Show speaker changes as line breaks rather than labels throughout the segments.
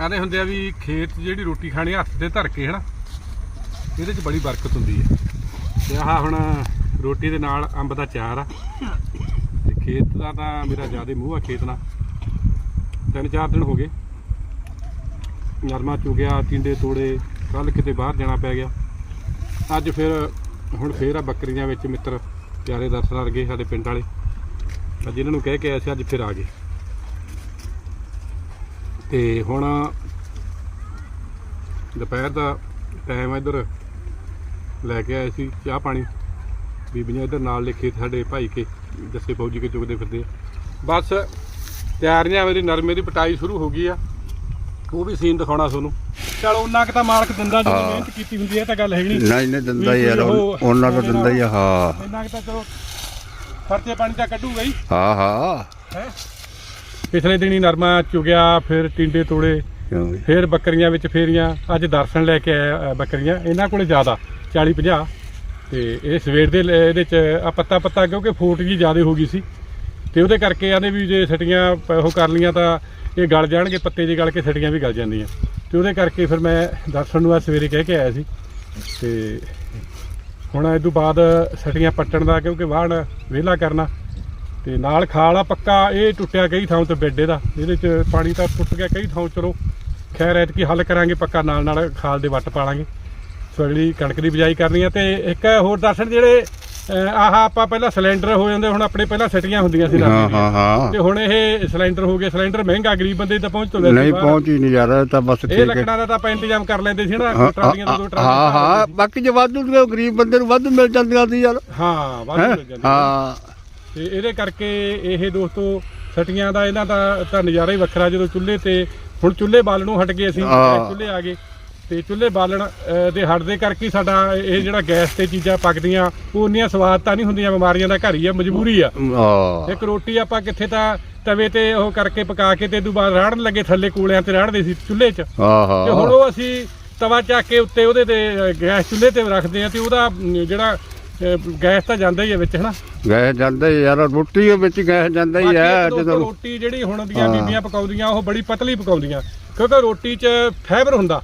ਕਹਿੰਦੇ ਹੁੰਦੇ ਆ ਵੀ ਖੇਤ ਜਿਹੜੀ ਰੋਟੀ ਖਾਣੀ ਹੱਥ ਤੇ ਧਰ ਕੇ ਹੈ ਨਾ, ਇਹਦੇ 'ਚ ਬੜੀ ਬਰਕਤ ਹੁੰਦੀ ਹੈ। ਤੇ ਆਹ ਹੁਣ ਰੋਟੀ ਦੇ ਨਾਲ ਅੰਬ ਦਾ ਚਾਰ ਆ। ਤੇ ਖੇਤ ਦਾ ਤਾਂ ਮੇਰਾ ਜ਼ਿਆਦਾ ਮੂੰਹ ਆ ਖੇਤ ਨਾਲ। 3-4 ਦਿਨ ਹੋ ਗਏ, ਨਰਮਾ ਚੁਗਿਆ, ਟਿੰਡੇ ਤੋੜੇ, ਕੱਲ ਕਿਤੇ ਬਾਹਰ ਜਾਣਾ ਪੈ ਗਿਆ। ਅੱਜ ਫਿਰ ਹੁਣ ਫੇਰ ਆ ਬੱਕਰੀਆਂ ਵਿੱਚ ਮਿੱਤਰ ਪਿਆਰੇ ਦਰਸ਼ਨ ਆ ਗਏ ਸਾਡੇ ਪਿੰਡ ਵਾਲੇ, ਅੱਜ ਇਹਨਾਂ ਨੂੰ ਕਹਿ ਕੇ ਆਏ ਸੀ, ਅੱਜ ਫਿਰ ਆ ਗਏ। ਤੇ ਹੁਣ ਦੁਪਹਿਰ ਦਾ ਟਾਈਮ ਇੱਧਰ ਲੈ ਕੇ ਆਏ ਸੀ ਚਾਹ ਪਾਣੀ, ਬੀਬੀਆਂ ਇੱਧਰ ਨਾਲ ਲਿਖੇ ਸਾਡੇ ਭਾਈ ਕੇ ਜੱਸੇ ਫੌਜੀ ਕੇ ਚੁਗਦੇ ਫਿਰਦੇ। ਬਸ ਤਿਆਰੀਆਂ, ਮੇਰੀ ਨਰਮੇ ਦੀ ਪਟਾਈ ਸ਼ੁਰੂ ਹੋ ਗਈ ਆ, ਉਹ ਵੀ ਸੀਨ ਦਿਖਾਉਣਾ ਤੁਹਾਨੂੰ। ਚਲ ਉਹਨਾਂ ਕੁ ਤਾਂ ਮਾਲਕ ਦਿੰਦਾ, ਜਦੋਂ ਮਿਹਨਤ ਕੀਤੀ ਹੁੰਦੀ ਹੈ ਤਾਂ ਗੱਲ ਹੈਗੀ
ਨਹੀਂ ਦਿੰਦਾ ਯਾਰ, ਉਹਨਾਂ ਕੋ ਦਿੰਦਾ ਹੀ ਆ। ਹਾਂ
ਇੰਨਾ ਕੁ ਤਾਂ ਚਲੋ ਖਰਚੇ ਪਾਣੀ ਤਾਂ ਕੱਢੂਗਾ ਹੀ।
ਹਾਂ
ਪਿਛਲੇ ਦਿਨੀ ਨਰਮਾ ਚੁਗਿਆ, ਫਿਰ ਟਿੰਡੇ ਤੋੜੇ, ਫਿਰ ਬੱਕਰੀਆਂ ਵਿੱਚ ਫੇਰੀਆਂ। ਅੱਜ ਦਰਸ਼ਨ ਲੈ ਕੇ ਆਇਆ ਬੱਕਰੀਆਂ, ਇਹਨਾਂ ਕੋਲੇ ਜ਼ਿਆਦਾ 40-50। ਤੇ ਇਹ ਸਵੇਰ ਦੇ ਇਹਦੇ 'ਚ ਆ ਪੱਤਾ ਕਿਉਂਕਿ ਫੋਟ ਜੀ ਜ਼ਿਆਦਾ ਹੋ ਗਈ ਸੀ, ਤੇ ਉਹਦੇ ਕਰਕੇ ਆਂਦੇ ਵੀ ਜੇ ਸਟੀਆਂ ਉਹ ਕਰ ਲੀਆਂ ਤਾਂ ਇਹ ਗਲ ਜਾਣਗੇ, ਪੱਤੇ ਜੇ ਗਲ ਕੇ ਸਟੀਆਂ ਵੀ ਗਲ ਜਾਂਦੀਆਂ। ਤੇ ਉਹਦੇ ਕਰਕੇ ਫਿਰ ਮੈਂ ਦਰਸ਼ਨ ਨੂੰ ਆ ਸਵੇਰੇ ਕਹਿ ਕੇ ਆਇਆ ਸੀ। ਤੇ ਹੁਣ ਇਹ ਤੋਂ ਬਾਅਦ ਸਟੀਆਂ ਪੱਟਣ ਦਾ, ਕਿਉਂਕਿ ਵਾਹਣ ਵਿਹਲਾ ਕਰਨਾ, ਤੇ ਨਾਲ ਖਾਲ ਆ ਪੱਕਾ। ਇਹ ਟੁੱਟਿਆ ਕਈ ਥਾਂ ਤੇ ਬੈੱਡ ਇਹਦਾ, ਇਹਦੇ 'ਚ ਪਾਣੀ ਤਾਂ ਟੁੱਟ ਗਿਆ ਕਈ ਥਾਂ। ਚਲੋ ਖੈਰ ਐਤਕੀ ਹੱਲ ਕਰਾਂਗੇ ਪੱਕਾ, ਨਾਲ ਖਾਲ ਦੇ ਵੱਟ ਪਾ ਲਾਂਗੇ। ਸੋ ਅਗਲੀ ਕਣਕ ਦੀ ਬਿਜਾਈ ਕਰਨੀ ਆ। ਤੇ ਇੱਕ ਹੋਰ ਦਰਸ਼ਨ, ਜਿਹੜੇ ਆਹ ਆਪਾਂ ਪਹਿਲਾਂ ਸਿਲੰਡਰ ਹੋ ਜਾਂਦੇ, ਹੁਣ ਆਪਣੇ ਪਹਿਲਾਂ ਸਟੀਆਂ ਹੁੰਦੀਆਂ ਸੀ ਤੇ ਹੁਣ ਇਹ ਸਿਲੰਡਰ ਹੋ ਗਏ। ਸਿਲੰਡਰ ਮਹਿੰਗਾ, ਗਰੀਬ ਬੰਦੇ ਤਾਂ ਪਹੁੰਚ ਤੋਂ
ਨਹੀਂ ਪਹੁੰਚ ਹੀ ਨਹੀਂ ਯਾਰ, ਤਾਂ ਬਸ
ਇਹ ਲੱਕੜਾਂ ਦਾ ਤਾਂ ਆਪਾਂ ਇੰਤਜ਼ਾਮ ਕਰ ਲੈਂਦੇ ਸੀ ਨਾ, ਟਰਾਲੀਆਂ ਤੋਂ 2 ਟਰਾਲੀਆਂ।
ਹਾਂ ਬਾਕੀ ਜੇ ਵਾਧੂ ਗਰੀਬ ਬੰਦੇ ਨੂੰ ਵਾਧੂ ਮਿਲ ਜਾਂਦੀਆਂ ਸੀ ਯਾਰ।
ਹਾਂ ਵਾਧੂ ਮਿਲ ਜਾਂਦੀਆਂ। ਹਾਂ ਤੇ ਇਹਦੇ ਕਰਕੇ ਇਹ ਦੋਸਤੋ ਸਟੀਆਂ ਦਾ ਇਹਨਾਂ ਦਾ ਤਾਂ ਨਜ਼ਾਰਾ ਹੀ ਵੱਖਰਾ। ਜਦੋਂ ਚੁੱਲ੍ਹੇ ਤੇ ਹੁਣ ਚੁੱਲ੍ਹੇ ਬਾਲਣੋਂ ਹਟ ਗਏ ਅਸੀਂ, ਚੁੱਲ੍ਹੇ ਆ ਗਏ, ਤੇ ਚੁੱਲ੍ਹੇ ਬਾਲਣ ਦੇ ਹਟਦੇ ਕਰਕੇ ਸਾਡਾ ਇਹ ਜਿਹੜਾ ਗੈਸ ਤੇ ਚੀਜ਼ਾਂ ਪੱਕਦੀਆਂ ਉਹ ਉਨੀਆਂ ਸਵਾਦ ਤਾਂ ਨਹੀਂ ਹੁੰਦੀਆਂ। ਬਿਮਾਰੀਆਂ ਦਾ ਘਰ ਹੀ ਆ, ਮਜਬੂਰੀ ਆ। ਇੱਕ ਰੋਟੀ ਆਪਾਂ ਕਿੱਥੇ ਤਾਂ ਤਵੇ ਤੇ ਉਹ ਕਰਕੇ ਪਕਾ ਕੇ ਤੇ ਇਹ ਤੋਂ ਬਾਅਦ ਰਾੜਨ ਲੱਗੇ, ਥੱਲੇ ਕੋਲਿਆਂ ਤੇ ਰਾੜਦੇ ਸੀ ਚੁੱਲ੍ਹੇ 'ਚ। ਤੇ ਹੁਣ ਉਹ ਅਸੀਂ ਤਵਾ ਚੱਕ ਕੇ ਉੱਤੇ ਉਹਦੇ ਤੇ ਗੈਸ ਚੁੱਲ੍ਹੇ ਤੇ ਰੱਖਦੇ ਆ, ਤੇ ਉਹਦਾ ਜਿਹੜਾ ਗੈਸ ਤਾਂ ਜਾਂਦਾ ਹੀ ਹੈ ਵਿੱਚ, ਹਨਾ
ਗੈਸ ਜਾਂਦਾ ਹੀ ਯਾਰ, ਰੋਟੀ ਵਿੱਚ ਗੈਸ ਜਾਂਦਾ ਹੀ ਹੈ।
ਜਦੋਂ ਰੋਟੀ ਜਿਹੜੀ ਹੁਣ ਦੀਆਂ ਬੀਬੀਆਂ ਪਕਾਉਂਦੀਆਂ ਉਹ ਬੜੀ ਪਤਲੀ ਪਕਾਉਂਦੀਆਂ, ਕਿਉਂਕਿ ਰੋਟੀ 'ਚ ਫਾਈਬਰ ਹੁੰਦਾ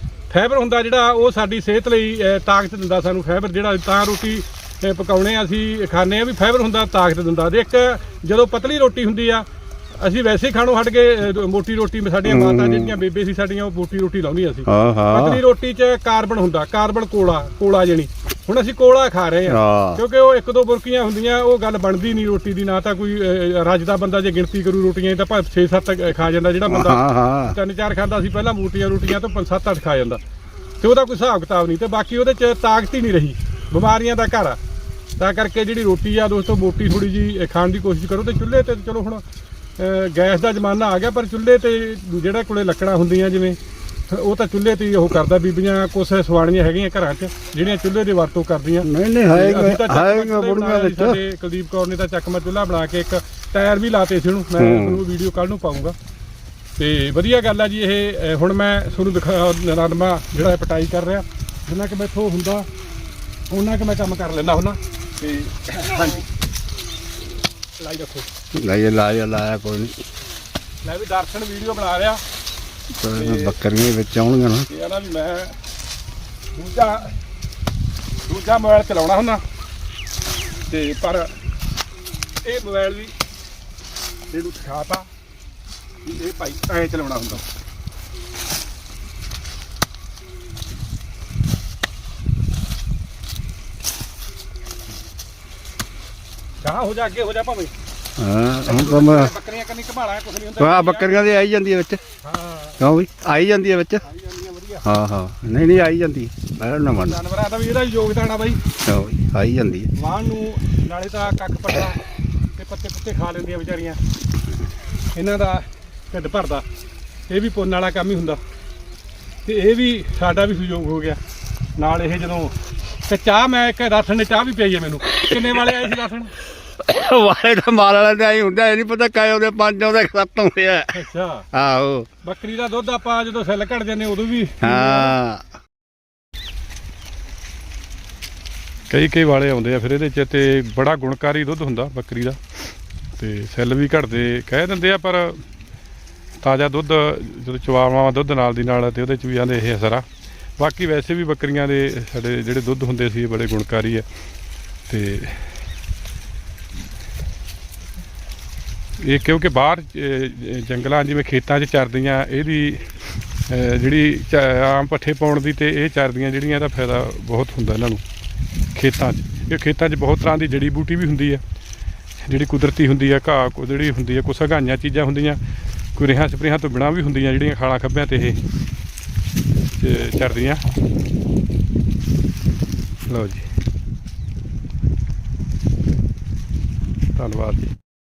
ਜਿਹੜਾ ਉਹ ਸਾਡੀ ਸਿਹਤ ਲਈ ਤਾਕਤ ਦਿੰਦਾ ਸਾਨੂੰ। ਫਾਈਬਰ ਜਿਹੜਾ ਤਾਂ ਰੋਟੀ ਪਕਾਉਣੇ ਅਸੀਂ ਖਾਂਦੇ ਆ ਵੀ ਫਾਈਬਰ ਹੁੰਦਾ, ਤਾਕਤ ਦਿੰਦਾ। ਤੇ ਇੱਕ ਜਦੋਂ ਪਤਲੀ ਰੋਟੀ ਹੁੰਦੀ ਆ, ਅਸੀਂ ਵੈਸੇ ਹੀ ਖਾਣੋਂ ਹਟ ਗਏ ਮੋਟੀ ਰੋਟੀ। ਸਾਡੀਆਂ ਮਾਤਾ ਜਿਹੜੀਆਂ ਬੇਬੇ ਸੀ ਸਾਡੀਆਂ, ਉਹ ਮੋਟੀ ਰੋਟੀ ਲਾਉਂਦੀਆਂ ਸੀ। ਪਤਲੀ ਰੋਟੀ 'ਚ ਕਾਰਬਨ ਹੁੰਦਾ, ਕਾਰਬਨ ਕੋਲਾ ਜਿਹੜੀ। ਹੁਣ ਅਸੀਂ ਕੋਲਾ ਖਾ ਰਹੇ ਆ, ਕਿਉਂਕਿ ਉਹ 1-2 ਬੁਰਕੀਆਂ ਹੁੰਦੀਆਂ, ਉਹ ਗੱਲ ਬਣਦੀ ਨਹੀਂ ਰੋਟੀ ਦੀ। ਨਾ ਤਾਂ ਕੋਈ ਰੱਜਦਾ ਬੰਦਾ ਜੇ ਗਿਣਤੀ ਕਰੂ ਰੋਟੀਆਂ ਤਾਂ ਭਾਵੇਂ 6-7 ਖਾ ਜਾਂਦਾ, ਜਿਹੜਾ ਬੰਦਾ 3-4 ਖਾਂਦਾ ਸੀ ਪਹਿਲਾਂ ਮੋਟੀਆਂ ਰੋਟੀਆਂ ਤੋਂ 5-7-8 ਖਾ ਜਾਂਦਾ, ਤੇ ਉਹਦਾ ਕੋਈ ਹਿਸਾਬ ਕਿਤਾਬ ਨਹੀਂ। ਤੇ ਬਾਕੀ ਉਹਦੇ 'ਚ ਤਾਕਤ ਹੀ ਨਹੀਂ ਰਹੀ, ਬਿਮਾਰੀਆਂ ਦਾ ਘਰ ਆ। ਤਾਂ ਕਰਕੇ ਜਿਹੜੀ ਰੋਟੀ ਆ ਦੋਸਤੋ, ਮੋਟੀ ਥੋੜੀ ਜੀ ਖਾਣ ਦੀ ਕੋਸ਼ਿਸ਼ ਕਰੋ। ਤੇ ਚੁੱਲ੍ਹੇ ਤੇ ਚਲੋ ਹੁਣ ਗੈਸ ਦਾ ਜ਼ਮਾਨਾ ਆ ਗਿਆ, ਪਰ ਚੁੱਲ੍ਹੇ ਤੇ ਜਿਹੜਾ ਕੋਲੇ ਲੱਕੜਾਂ ਹੁੰਦੀਆਂ ਜਿਵੇਂ, ਉਹ ਤਾਂ ਚੁੱਲ੍ਹੇ ਤੇ ਉਹ ਕਰਦਾ। ਬੀਬੀਆਂ ਕੁਛ ਸਵਾਣੀਆਂ ਹੈਗੀਆਂ ਘਰਾਂ 'ਚ ਜਿਹੜੀਆਂ ਚੁੱਲ੍ਹੇ ਦੀ ਵਰਤੋਂ ਕਰਦੀਆਂ।
ਨਹੀਂ
ਸਾਡੇ ਕੁਲਦੀਪ ਕੌਰ ਨੇ ਤਾਂ ਚੱਕਮਾ ਚੁੱਲ੍ਹਾ ਬਣਾ ਕੇ ਇੱਕ ਟਾਇਰ ਵੀ ਲਾਤੇ ਸੀ ਉਹਨੂੰ, ਮੈਂ ਤੁਹਾਨੂੰ ਵੀਡੀਓ ਕੱਲ੍ਹ ਨੂੰ ਪਾਊਂਗਾ। ਤੇ ਵਧੀਆ ਗੱਲ ਆ ਜੀ ਇਹ। ਹੁਣ ਮੈਂ ਤੁਹਾਨੂੰ ਦਿਖਾ ਨਰਮਾ ਜਿਹੜਾ ਪਟਾਈ ਕਰ ਰਿਹਾ, ਜਿੰਨਾ ਕਿ ਮੈਥੋਂ ਹੁੰਦਾ ਉਹਨਾਂ ਕਿ ਮੈਂ ਕੰਮ ਕਰ ਲੈਂਦਾ ਹੁੰਦਾ। ਤੇ ਹਾਂਜੀ ਲਾਈ ਰੱਖੋ,
ਲਾਇਆ ਕੋਈ ਨਹੀਂ।
ਮੈਂ ਵੀ ਦਰਸ਼ਨ ਵੀਡੀਓ ਬਣਾ ਰਿਹਾ,
ਬੱਕਰੀਆਂ ਵਿੱਚ ਆਉਣਗੀਆਂ ਨਾ।
ਇਹ ਨਾ ਵੀ ਮੈਂ ਦੂਜਾ ਮੋਬਾਈਲ ਚਲਾਉਣਾ ਹੁੰਦਾ, ਤੇ ਪਰ ਇਹ ਮੋਬਾਈਲ ਵੀ ਇਹਨੂੰ ਸਿਖਾਤਾ ਵੀ ਇਹ ਭਾਈ ਐਂ ਚਲਾਉਣਾ ਹੁੰਦਾ। ਕਹਾਂ ਹੋ ਜਾ, ਅੱਗੇ ਹੋ ਜਾ ਭਾਵੇਂ।
ਹੁਣ ਤਾਂ ਮੈਂ
ਬੱਕਰੀਆਂ ਕੰਨੀ ਘਮਾਲਾ ਕੁਛ ਨਹੀਂ ਹੁੰਦਾ।
ਬੱਕਰੀਆਂ ਦੇ ਆਈ ਜਾਂਦੀ ਹੈ ਵਿੱਚ। ਕਿਉਂ ਵੀ ਆਈ ਜਾਂਦੀ ਹੈ ਵਿੱਚ। ਹਾਂ ਨਹੀਂ ਆਈ ਜਾਂਦੀ, ਮੈਂ ਨਾ ਮੰਨ।
ਜਾਨਵਰਾਂ ਦਾ ਵੀ ਇਹਦਾ ਯੋਗਦਾਨ ਆ ਬਾਈ,
ਆਈ ਜਾਂਦੀ ਹੈ।
ਵਾਹਣ ਨੂੰ ਨਾਲੇ ਤਾਂ ਕੱਖ ਪੱਟਾ ਤੇ ਪੱਤੇ ਖਾ ਲੈਂਦੀਆਂ ਵਿਚਾਰੀਆਂ, ਇਹਨਾਂ ਦਾ ਢਿੱਡ ਭਰਦਾ। ਇਹ ਵੀ ਪੁੰਨ ਵਾਲਾ ਕੰਮ ਹੀ ਹੁੰਦਾ, ਤੇ ਇਹ ਵੀ ਸਾਡਾ ਵੀ ਸਹਿਯੋਗ ਹੋ ਗਿਆ ਨਾਲ। ਇਹ ਜਦੋਂ ਤੇ ਚਾਹ, ਮੈਂ ਇੱਕ ਰਾਸ਼ਨ ਨੇ ਚਾਹ ਵੀ ਪਿਆਈ ਹੈ ਮੈਨੂੰ। ਕਿੰਨੇ ਵਾਲੇ ਆਏ ਸੀ ਰਾਸ਼ਨ
ਵਾਲੇ ਤਾਂ ਮਾਲ ਵਾਲਿਆਂ ਦੇ ਆਈ ਹੁੰਦਾ, ਇਹ ਨਹੀਂ ਪਤਾ ਕਾਇ ਉਹਦੇ 5 ਆਉਂਦੇ 7 ਆਉਂਦੇ ਆ।
ਅੱਛਾ
ਆਹੋ,
ਬੱਕਰੀ ਦਾ ਦੁੱਧ ਆਪਾਂ ਜਦੋਂ ਸੈੱਲ ਘਟ ਜਾਂਦੇ ਉਦੋਂ ਵੀ ਕਈ ਵਾਲੇ ਆਉਂਦੇ ਆ ਫਿਰ ਇਹਦੇ 'ਚ, ਤੇ ਬੜਾ ਗੁਣਕਾਰੀ ਦੁੱਧ ਹੁੰਦਾ ਬੱਕਰੀ ਦਾ। ਤੇ ਸੈੱਲ ਵੀ ਘਟਦੇ ਕਹਿ ਦਿੰਦੇ ਆ, ਪਰ ਤਾਜ਼ਾ ਦੁੱਧ ਜਦੋਂ ਚਵਾਵਾਂ ਦੁੱਧ ਨਾਲ ਦੀ ਨਾਲ ਤੇ ਉਹਦੇ 'ਚ ਵੀ ਆਂਦੇ ਇਹ ਅਸਰ ਆ। ਬਾਕੀ ਵੈਸੇ ਵੀ ਬੱਕਰੀਆਂ ਦੇ ਸਾਡੇ ਜਿਹੜੇ ਦੁੱਧ ਹੁੰਦੇ ਸੀ ਇਹ ਬੜੇ ਗੁਣਕਾਰੀ ਆ ਤੇ ਇਹ ਕਿਉਂਕਿ ਬਾਹਰ ਜੰਗਲਾਂ ਜਿਵੇਂ ਖੇਤਾਂ 'ਚ ਚਰਦੀਆਂ ਇਹਦੀ ਜਿਹੜੀ ਆਮ ਪੱਠੇ ਪਾਉਣ ਦੀ ਤੇ ਇਹ ਚਰਦੀਆਂ ਜਿਹੜੀਆਂ ਇਹਦਾ ਫਾਇਦਾ ਬਹੁਤ ਹੁੰਦਾ ਇਹਨਾਂ ਨੂੰ ਖੇਤਾਂ 'ਚ। ਇਹ ਖੇਤਾਂ 'ਚ ਬਹੁਤ ਤਰ੍ਹਾਂ ਦੀ ਜੜੀ ਬੂਟੀ ਵੀ ਹੁੰਦੀ ਆ ਜਿਹੜੀ ਕੁਦਰਤੀ ਹੁੰਦੀ ਆ, ਘਾਹ ਕੋ ਜਿਹੜੀ ਹੁੰਦੀ ਆ, ਕੁਛ ਹਗਾਈਆਂ ਚੀਜ਼ਾਂ ਹੁੰਦੀਆਂ, ਕੋਈ ਰੇਹਾਂ ਸਪਰੇਹਾਂ ਤੋਂ ਬਿਨਾਂ ਵੀ ਹੁੰਦੀਆਂ ਜਿਹੜੀਆਂ ਖਾਲਾਂ ਖੱਬਿਆਂ ਤੇ ਇਹ ਚਰਦੀਆਂ। ਲਓ ਜੀ, ਧੰਨਵਾਦ ਜੀ।